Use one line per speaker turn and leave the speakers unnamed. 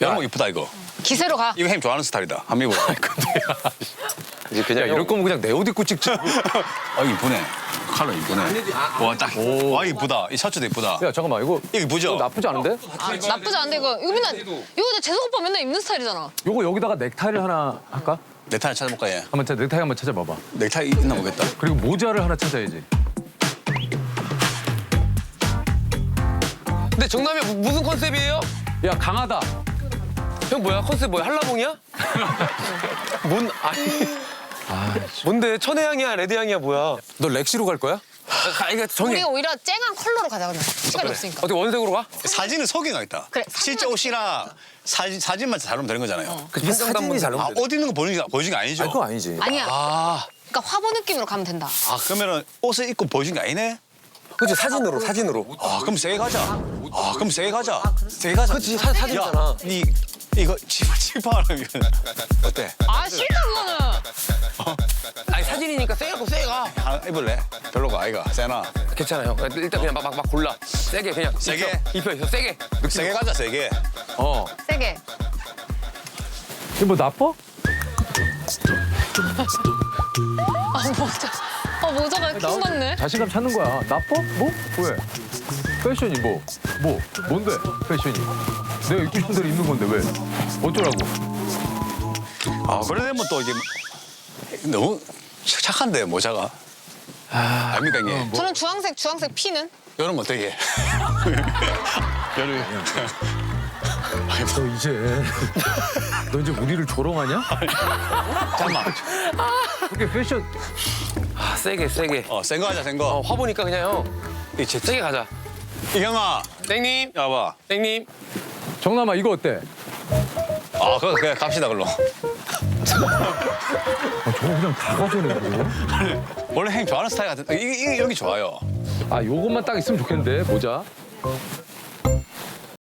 이런 거 이쁘다 이거.
기세로 가.
이거 햄 좋아하는 스타일이다. 한번 입어봐.
이제 그냥
이럴 거면 그냥 내 옷 입고 찍지.
아 이쁘네. 컬러 이쁘네. 와 딱. 와 이쁘다. 이 셔츠도 이쁘다.
야 잠깐만 이거
이거 이쁘죠?
나쁘지 않은데?
아, 나쁘지 않은데 이거 맨날 이거 내 재석 오빠 맨날 입는 스타일이잖아.
요거 여기다가 넥타이를 하나 할까?
넥타이 찾아볼까 얘.
한번 넥타이 한번 찾아봐봐.
넥타이 있나 보겠다.
그리고 모자를 하나 찾아야지.
근데 정남이 무슨 컨셉이에요?
야 강하다.
형 뭐야? 컨셉 뭐야? 한라봉이야? 뭔데? 천혜향이야? 레드향이야? 뭐야?
너 렉시로 갈 거야?
이거 정해.
우리가 오히려 쨍한 컬러로 가자 그러면. 시간이 없으니까.
어떻게 원색으로 가?
사진은 소개가 있다.
그래,
실제 옷이랑 사진만 잘 오면 되는 거잖아요.
사진이 잘
아, 옷 있는 거 보여준 게 아니죠?
그거 아니지.
아니야.
아,
그러니까 화보 느낌으로 가면 된다.
그러면은 옷을 입고 보여준 게 아니네?
그렇지 사진으로.
그럼 세게 가자. 그럼 세게 가자. 세게 가자.
그렇지 사진이잖아.
야, 니 이거 치파하는 거 어때?
아 싫다 그거는.
아니 사진이니까 세게 가.
하나 입을래? 별로가 아이가. 세나.
괜찮아 형. 일단 그냥 막 골라. 세게 그냥.
세게?
입혀 세게.
세게 가자, 세게.
세게.
이거 뭐 나빠?
모자가 킹 받네.
자신감 찾는 거야. 나빠? 뭐? 왜? 패션이 뭔데? 패션이. 내가 입고 싶은 대로 입는 건데 왜? 어쩌라고?
그래 되면 또 이게 너무 착한데 모자가. 아닙니까 이게?
저는 주황색 피는?
여름 어떻게? 여름.
너 이제 우리를 조롱하냐?
잠깐만.
그게 패션.
세게.
센 거 하자, 센 거.
화보니까 그냥 형. 세게 가자.
이경아,
땡님.
야봐.
땡님.
정남아 이거 어때?
그래 갑시다 그걸로.
저거 그냥 다 가져오네.
원래 행 좋아하는 스타일 같은. 이게 여기 좋아요.
요것만 딱 있으면 좋겠는데 모자.